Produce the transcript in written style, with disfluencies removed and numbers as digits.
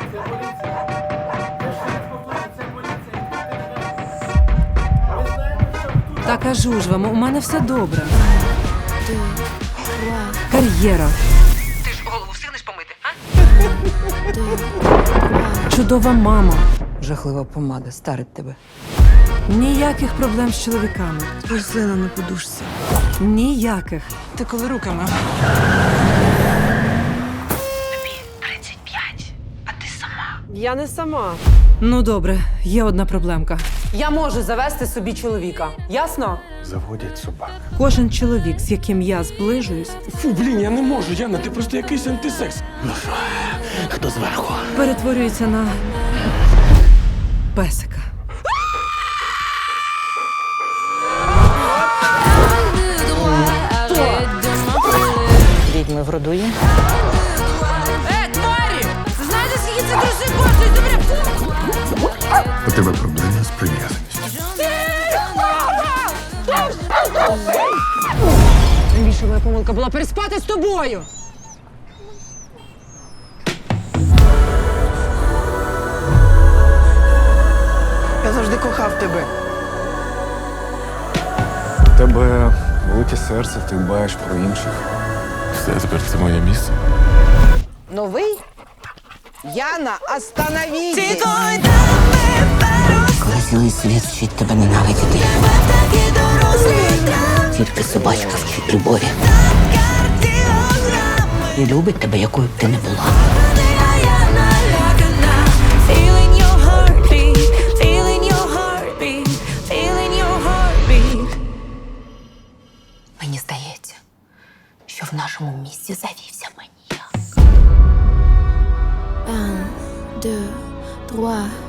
Та кажу ж вам, у мене все добре. Кар'єра. Ти ж голову встигнеш помити, а? Чудова мама. Жахлива помада старить тебе. Ніяких проблем з чоловіками. Рослина на подушці. Ніяких. Ти коли руками? Тобі 35, а ти сама. Я не сама. Ну добре, є одна проблемка. Я можу завести собі чоловіка. Ясно? Заводять собак. Кожен чоловік, з яким я зближуюсь, Фу, блін, я не можу, Яна, ти просто якийсь антисекс. Ну що, хто зверху? перетворюється на песика. Відьми в роду є. Тварі! Знаєте, скільки це грошей коштує? Добре, У тебе проблеми з прив'язаністю. Найбільша моя помилка була переспати з тобою. Я завжди кохав тебе. У тебе велике серце, ти дбаєш про інших. Все, тепер це моє місце. Новий? Яна, остановіть! Коли цілий світ вчить тебе ненавидіти. Тільки собачка вчить любові. І любить тебе, якою б ти не була. Мені здається, що в нашому місті завівся маніяк. 1, 2, 3.